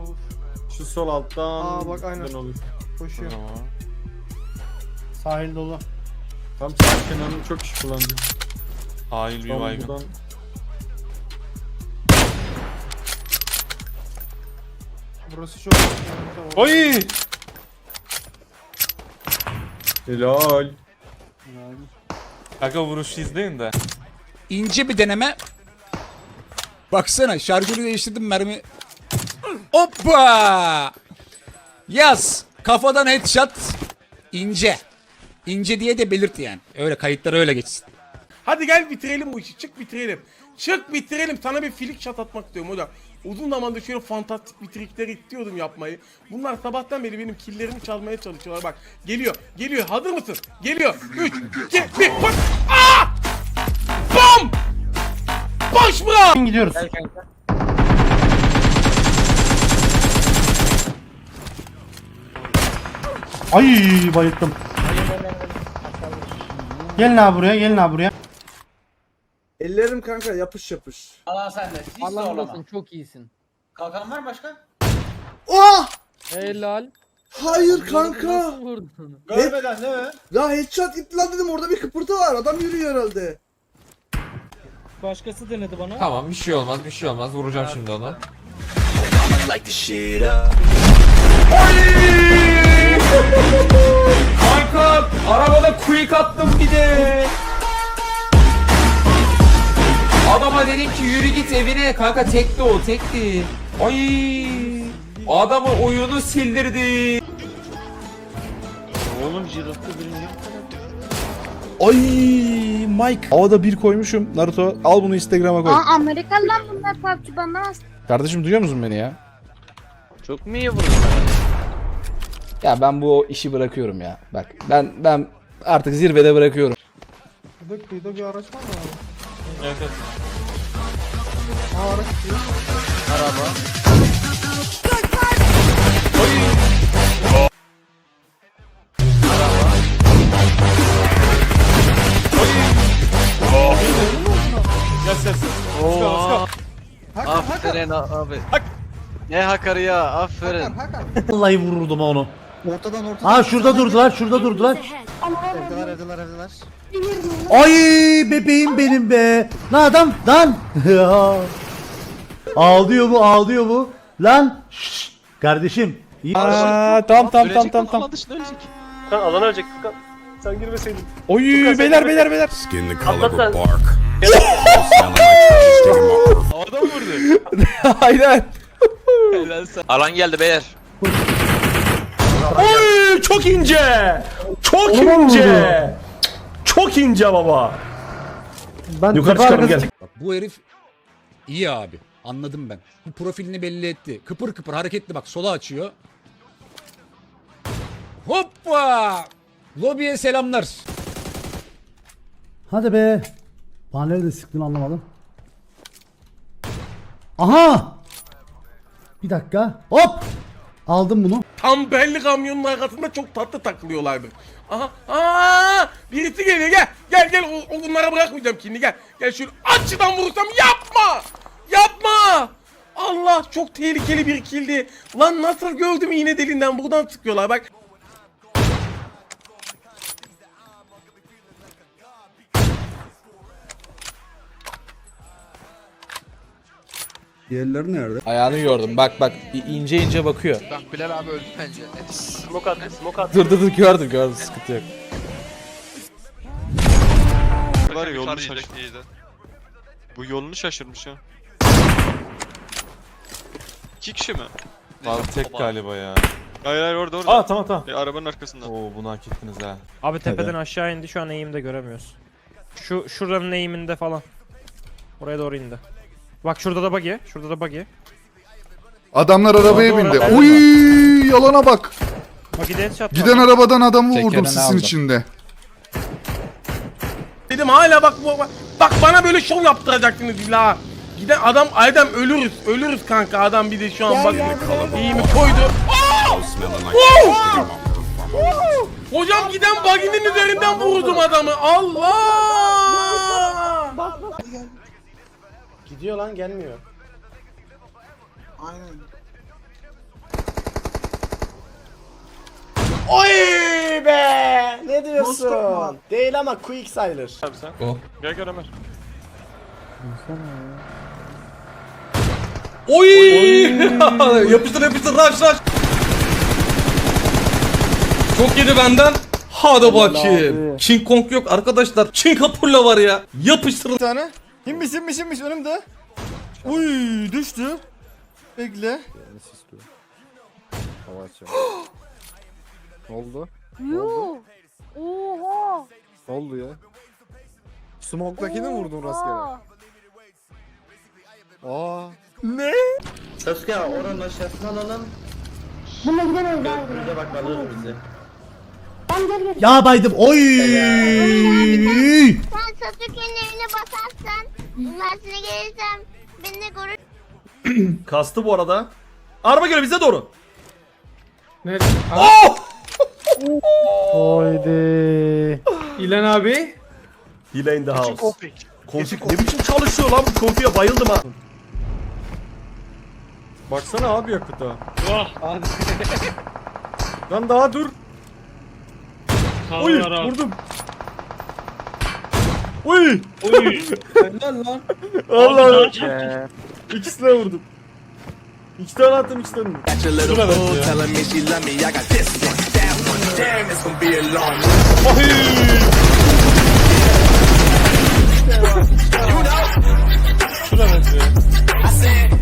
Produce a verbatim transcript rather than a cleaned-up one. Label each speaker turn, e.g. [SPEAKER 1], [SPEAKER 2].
[SPEAKER 1] olur.
[SPEAKER 2] Şu sol alttan.
[SPEAKER 1] Aa, bak, aynen.
[SPEAKER 2] Olur.
[SPEAKER 1] Koşuyor.
[SPEAKER 2] Tamam.
[SPEAKER 3] Sahil dolu.
[SPEAKER 2] Tam sağ kenarını çok kişi kullandı.
[SPEAKER 4] Hain bir
[SPEAKER 2] Tam
[SPEAKER 4] baygın.
[SPEAKER 2] buradan.
[SPEAKER 1] Burası çok.
[SPEAKER 4] Oy!
[SPEAKER 2] Helal.
[SPEAKER 4] Kanka vuruşu izleyin de.
[SPEAKER 5] İnce bir deneme. Baksana şarjörü değiştirdim mermi. Hoppa! Yaz. Kafadan headshot. İnce. İnce diye de belirt yani. Öyle kayıtlar öyle geçsin.
[SPEAKER 6] Hadi gel bitirelim bu işi. Çık bitirelim. Çık bitirelim. Sana bir filik shot atmak istiyorum hocam. Uzun zamandır şöyle fantastik bir trikler istiyordum yapmayı. Bunlar sabahtan beri benim killerimi çalmaya çalışıyorlar. Bak geliyor. Geliyor. Hazır mısın? Geliyor. üç, iki, bir. Bak. Aa! Bam! Boş bırak!
[SPEAKER 3] Gidiyoruz. Ay bayıldım. Gelin abi buraya, gelin abi buraya.
[SPEAKER 7] Ellerim kanka yapış yapış.
[SPEAKER 8] Allah sen de. Hiç
[SPEAKER 9] Allah
[SPEAKER 8] zorlama.
[SPEAKER 9] olsun, çok iyisin.
[SPEAKER 8] Kalkan var mı başka?
[SPEAKER 7] Oh!
[SPEAKER 9] Helal.
[SPEAKER 7] Hayır kanka.
[SPEAKER 9] Nasıl vurdun?
[SPEAKER 8] Görmeden değil mi?
[SPEAKER 7] Ya headshot itti lan dedim, orada bir kıpırtı var. Adam yürüyor herhalde.
[SPEAKER 9] Başkası denedi bana.
[SPEAKER 4] Tamam bir şey olmaz bir şey olmaz vuracağım şimdi onu. Kanka arabada quick attım bir de. Adama dedim ki yürü git evine kanka tekti o tekti. Ay adamın oyunu sildirdi.
[SPEAKER 2] Oğlum jirotta birinci.
[SPEAKER 10] Ay Mike. Havada bir koymuşum. Naruto al bunu Instagram'a koy.
[SPEAKER 11] Aa, Amerikalılar bunlar, P U B G banlamaz.
[SPEAKER 10] Kardeşim duyuyor musun beni ya?
[SPEAKER 2] Çok mu iyi vurdun?
[SPEAKER 10] Ya ben bu işi bırakıyorum ya. Bak ben ben artık zirvede bırakıyorum.
[SPEAKER 1] Burada kıyıda bir araç var mı abi?
[SPEAKER 4] Evet evet.
[SPEAKER 1] Aa, araç gidiyor.
[SPEAKER 4] Yes yes. Let's go let's go.
[SPEAKER 1] Hakan, Hakan.
[SPEAKER 2] abi. Ne hakarı ya, aferin.
[SPEAKER 1] Hakan, Hakan.
[SPEAKER 3] Vallahi vururdum onu.
[SPEAKER 1] Ortadan ortadan.
[SPEAKER 3] Aa şurada durdular, şurada durdular.
[SPEAKER 1] Evdeler, evdeler, evdeler.
[SPEAKER 3] Ay bebeğim benim be. Lan adam, lan. Ağlıyor bu, ağlıyor bu. Lan. Şşş. Kardeşim. İyi.
[SPEAKER 10] Aa, tamam tamam tamam tamam tamam.
[SPEAKER 2] Kan alan ölecek Furkan. Sen girmeseydin.
[SPEAKER 10] Oy beyler beyler beyler.
[SPEAKER 2] Atlat sen.
[SPEAKER 4] Adam vurdu.
[SPEAKER 10] Aynen.
[SPEAKER 2] Alan geldi beyler.
[SPEAKER 3] Oy çok ince. Çok ince. Çok ince baba. Ben yukarı çıkalım gel.
[SPEAKER 5] Bak bu herif iyi abi. Anladım ben. Bu profilini belli etti. Kıpır kıpır hareketli bak sola açıyor. Hoppa! Lobiye selamlar.
[SPEAKER 3] Hadi be. Bana nerede sıktın anlamadım. Aha! Bir dakika. Hop! Aldım bunu.
[SPEAKER 6] Tam belli kamyonun arkasında çok tatlı takılıyorlardı. Aha, aa, birisi geliyor, gel, gel, gel, o, o bunlara bırakmayacağım şimdi, gel, gel şunu açıdan vurursam yapma, yapma. Allah çok tehlikeli bir kildi. Lan nasıl gördüm iğne deliğinden buradan sıkıyorlar bak.
[SPEAKER 7] Diğerleri nerede?
[SPEAKER 10] Ayağını yordum. Bak bak i- ince ince bakıyor.
[SPEAKER 8] Bak Bilal abi öldü bence.
[SPEAKER 2] Smoke attı, smoke attı.
[SPEAKER 10] Dur dur dur gördüm gördüm sıkıntı yok.
[SPEAKER 4] Var ya yolunu şaşırmış. Bu yolunu şaşırmış ha. İki kişi mi? Abi tek galiba ya. Hayır hayır orada orada.
[SPEAKER 2] Aa tamam tamam.
[SPEAKER 4] E, arabanın arkasında. Oo bunu hak ettiniz ha.
[SPEAKER 9] Abi tepeden aşağı indi, şu an eğimde göremiyoruz. Şu şuranın eğiminde falan. Oraya doğru indi. Bak şurada da buggy, şurada da buggy.
[SPEAKER 10] Adamlar arabaya
[SPEAKER 9] Doğru,
[SPEAKER 10] bindi.
[SPEAKER 9] doğru.
[SPEAKER 10] Uy yalana bak.
[SPEAKER 9] Buggy'de headshot
[SPEAKER 10] Giden
[SPEAKER 9] var.
[SPEAKER 10] arabadan adamı Tekerini vurdum sisin aldım. içinde.
[SPEAKER 6] Dedim hala bak, bak, bak bana böyle şov yaptıracaksınız illa. Giden adam, adam ölürüz, ölürüz kanka, adam bir de şu an bak iyi mi koydu. Aa! Oo! Oo! Hocam giden baginin üzerinden vurdum adamı, Allah!
[SPEAKER 1] Gidiyor lan, gelmiyor.
[SPEAKER 7] Aynen.
[SPEAKER 3] Oy be! Ne diyorsun? Değil ama quick sayılır.
[SPEAKER 2] Abi sen.
[SPEAKER 5] O.
[SPEAKER 2] Gel gel Ömer.
[SPEAKER 5] Oy! Yapıştır yapıştır rush rush. Çok yedi benden. Hadi bakayım. King Kong yok arkadaşlar. King Kapurla var ya. Yapıştırın.
[SPEAKER 1] Bir tane. Kimmiş kimmiş kimmiş önümde. Uy düştü. Bekle. Ne oldu?
[SPEAKER 11] Yuh. Oha.
[SPEAKER 1] Ne oldu ya? Smoke'dakini mi vurdun rastgele? Aa. Ne?
[SPEAKER 8] Sasuke oranın aşağısını alalım.
[SPEAKER 11] Buna gidemeyiz abi.
[SPEAKER 8] Bize bak alır bizi.
[SPEAKER 11] Tamam gel gel.
[SPEAKER 3] Ya baydım. Oy!
[SPEAKER 11] Sen Sasuke'nin evine basarsan, ben sana gelirsem beni de görür.
[SPEAKER 3] Kastı bu arada. Araba geliyor bize doğru.
[SPEAKER 4] Nerede?
[SPEAKER 3] Oh!
[SPEAKER 1] Haydi.
[SPEAKER 4] İlan abi.
[SPEAKER 3] Hile in the house.
[SPEAKER 2] Config.
[SPEAKER 3] Konfig ne biçim çalışıyor lan bu konfiye bayıldım ha.
[SPEAKER 1] Baksana abi yakıta.
[SPEAKER 2] Vah.
[SPEAKER 1] Lan daha dur.
[SPEAKER 2] Oy vurdum.
[SPEAKER 3] Oy!
[SPEAKER 2] Oy.
[SPEAKER 1] Helal lan.
[SPEAKER 3] Allah.
[SPEAKER 2] Abi,
[SPEAKER 3] İkisine vurdum. İki tane attım iki tane. Şuna bak ya.
[SPEAKER 2] Şuna benziyor.